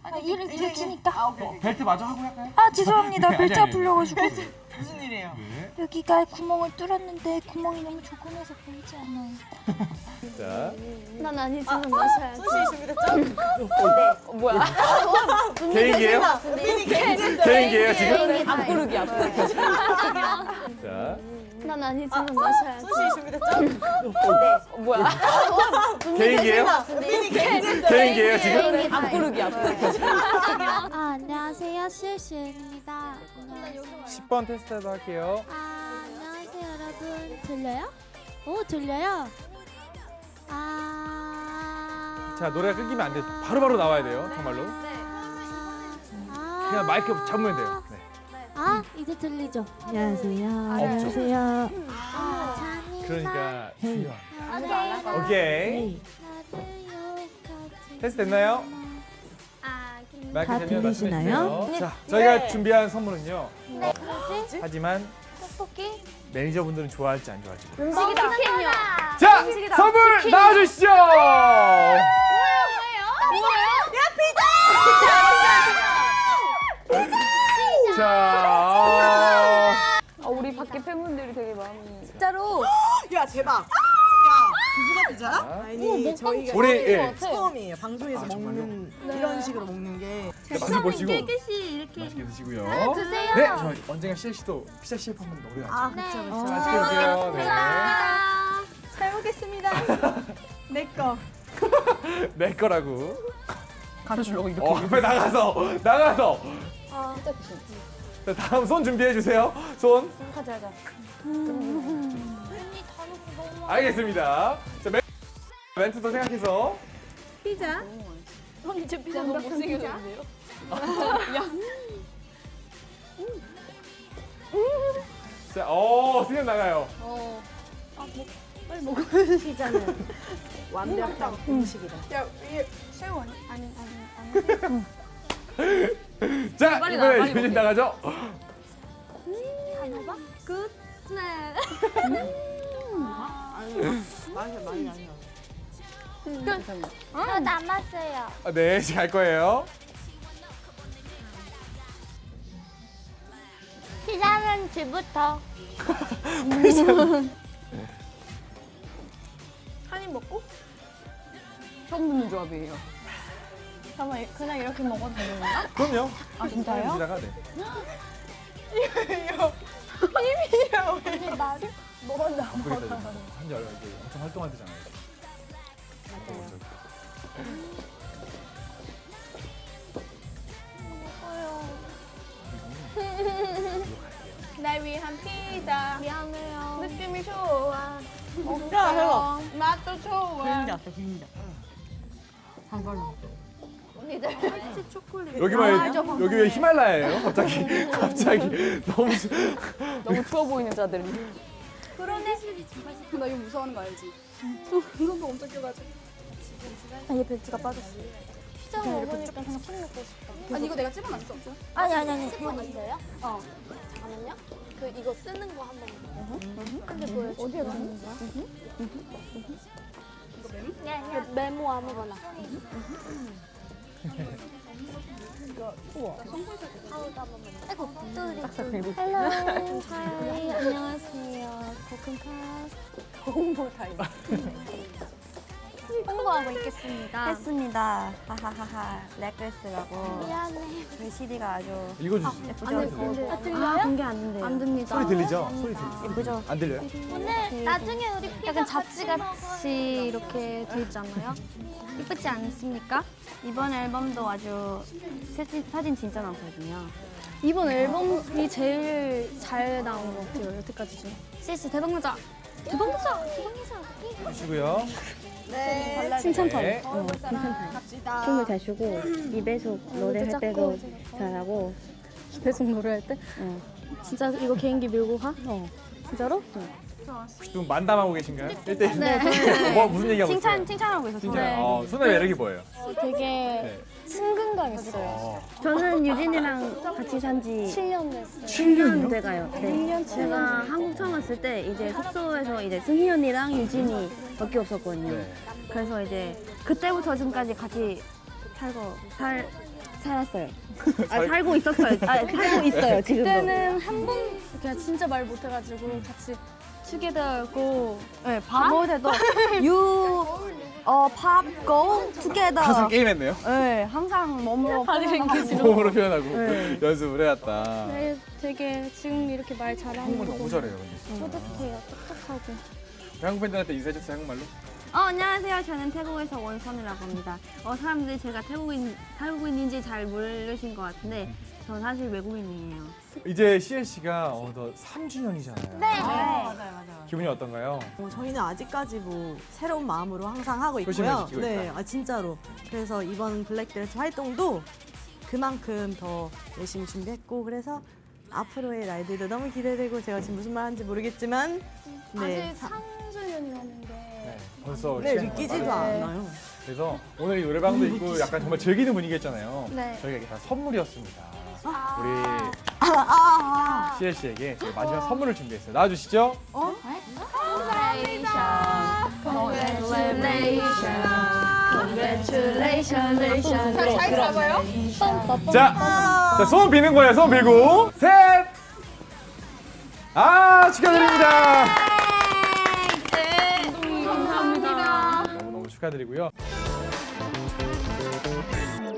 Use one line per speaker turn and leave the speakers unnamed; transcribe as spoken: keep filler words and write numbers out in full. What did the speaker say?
아, 이를 들키니까.
아, 오케이,
어,
오케이.
벨트 마저 하고 할까요?
아 죄송합니다.
네,
벨트
아니, 아니.
아플려가지고.
무슨 일이에요?
네.
여기가 구멍을 뚫었는데 구멍이 너무 조그매서 보이지 않아요.
자,
난 아니지만 마셔야지.
소시 준비됐죠?
어, 뭐야?
개인기예요?
민이 개인기.
개인기예요 지금?
앞구르기, 앞구르기.
자,
난 아니지만 마셔야지.
소시 준비됐죠?
어, 뭐야?
개인기예요?
민이 개인기.
개인기예요 지금?
앞구르기, 앞구르기.
아, 안녕하세요. 실시입니다.
십 번 테스트도 할게요.
아, 안녕하세요, 여러분. 들려요? 오, 들려요? 아.
자, 노래가 끊기면 안 돼. 바로바로 나와야 돼요. 정말로.
아.
그냥 마이크 잡으면 돼요. 네.
아, 이제 들리죠? 안녕하세요.
안녕하세요.
아, 잔인한
그러니까 중요한.
오케이.
오케이.
나를
테스트 됐나요?
아,
마이크
다
되면
들리시나요?
말씀해주세요. 자, 저희가 준비한 선물은요.
뭐지?
하지만
떡볶이?
매니저분들은 좋아할지 안 좋아할지.
음식이다. 치킨이요.
자, 선물 나와주시죠. 자,
아, 우리 밖에 팬분들이 되게 많이.
야, 대박. 야, 그거가 피자야?
자,
아니, 저희가
우리 예,
처음이에요. 방송에서
아,
먹는 이런 식으로 먹는 게.
맛을 보시고
깨끗이 이렇게
맛있게 드시고요.
드세요.
네, 저 언젠가 실 씨도 피자 셰프 한번 노려야죠.
아, 그쵸, 그쵸.
맛있게 드세요. 네.
잘 먹겠습니다. 내 거.
내 거라고.
가르쳐주려고 이렇게.
어, 앞에 나가서 나가서.
아, 진짜 귀.
자, 다음 손 준비해 주세요. 손.
가자, 가자.
알겠습니다. 자, 멘, 멘트도 생각해서.
언니 저 피자 너무 못생겨졌는데요?
자, 어, 수염 나가요.
어.
피자는
완벽한 음식이다. 야, 이게
새우 아니? 아니, 아니, 아니.
자,
빨리 나와,
이번에
빨리
유진
먹게.
나가죠.
단호박? 굿 스멜.
아니, 맛이 많이 안 나.
저 남았어요.
아, 네, 이제 갈 거예요.
피자는 지부터.
한 입 먹고? 처음 듣는 조합이에요. 잠깐만, 그냥 이렇게 먹어도 되는 건가?
그럼요.
아, 진짜요?
지나가 네.
힘이야, 왜?
말이? 먹었나?
한지 얼마 이제 엄청 활동할 때잖아요. 맞아요.
날 위한 피자. 미안해요. 느낌이 좋아.
야, 해봐.
맛도 좋아.
비린자 왔어, 비린자.
여기만 여기 왜 히말라야예요? 갑자기 갑자기 너무
너무 추워 보이는 자들이.
나 이거 무서워하는 거 알지? 손도 엄청 껴가지고.
아, 얘 벨트가 빠졌어.
피자 먹으니까 그냥 술 먹고 싶다.
아니 이거 내가 찍어놨어.
아니 아니 아니.
폰 있어요?
어.
잠깐만요. 그 이거 쓰는 거 한번. 근데 보여줘. 어디에 넣는 거야?
네,
메모 아무거나.
아이고 뚜리. 헬로. 하이 안녕하세요. 코쿤카.
홍보 타임.
홍보하고 있겠습니다.
했습니다. 하하하하. 렉글스라고
미안해.
저희 씨디가 아주
읽어주시.
예쁘죠?
아, 들려요?
아, 공개 안 된대요.
안 됩니다.
소리 들리죠? 소리 들리죠?
예쁘죠?
안 들려요?
오늘 나중에 우리 피자
약간 잡지같이 이렇게 돼 있잖아요.
이쁘지 않습니까?
이번 앨범도 아주 사진, 사진 진짜 많거든요.
이번 앨범이 제일 잘 나온 것 같아요. 여태까지 중.
실시 대박나자. 대박나자. 대박나자.
주시고요.
네.
칭찬판.
네.
어, 칭찬판.
갑시다.
춤을 잘 추고 이배속 노래할 때도 잘하고
배송 노래할 때?
어.
진짜 이거 개인기 밀고 가?
어.
진짜로?
혹시 좀 만담하고 계신가요? 일 대 일.
네.
뭐 무슨 얘기하고
칭찬
있어요?
칭찬하고 있었어요.
칭찬.
네.
어, 손의 매력이 뭐예요?
되게
네.
친근감 있어요.
어.
저는 유진이랑 같이 산지
칠 년 됐어요.
칠 년이요?
돼가요. 네.
일 년, 칠 년.
제가 한국 처음 왔을 때 이제 숙소에서 이제 승희 언니랑 유진이 밖에 없었거든요.
네.
그래서 이제 그때부터 지금까지 같이 살고 살 살았어요. 아 살고 있었어요. 아 살고 있어요 지금도.
그때는 한 번 그냥 진짜 말 못해가지고 같이 투게더고
네, 밥 먹을 때도 you 어 팝 go together.
항상 게임했네요.
네, 항상 몸으로
바디 랭귀지로.
몸으로 표현하고
네.
연습을 해왔다.
네, 되게 지금 이렇게 말 잘하는
한국말
거
너무
보고
잘해요. 근데 진짜.
뿌듯해요. 똑똑하고.
한국 팬들한테 인사해줬어요 한국말로?
어, 안녕하세요. 저는 태국에서 원선이라고 합니다. 어, 사람들이 제가 태국인, 태국인인지 잘 모르신 것 같은데 저 사실 외국인이에요.
이제 씨엘씨가 어느덧 삼 주년이잖아요. 네.
맞아요, 맞아요.
기분이 어떤가요?
어, 저희는 아직까지 뭐 새로운 마음으로 항상 하고
소심을
있고요.
지키고
네,
있다.
아, 진짜로. 그래서 이번 블랙드레스 활동도 그만큼 더 열심히 준비했고 그래서 앞으로의 날들도 너무 기대되고 제가 지금 무슨 말 하는지 모르겠지만 네,
아직
사-
삼 주년이었는데
네. 벌써
네
시간이
믿기지도
빠르네.
않아요.
그래서 오늘 이 노래방도 있고 약간 정말 즐기는 분위기였잖아요.
네.
저희가 이게 다 선물이었습니다.
아.
우리 씨엘씨에게 저희 마지막 선물을 준비했어요. 나와주시죠.
잘 잡아요?
자, 자, 소원 비는 거예요. 소원 빌고 셋. 아, 축하드립니다.
감사합니다.
너무너무 축하드리고요.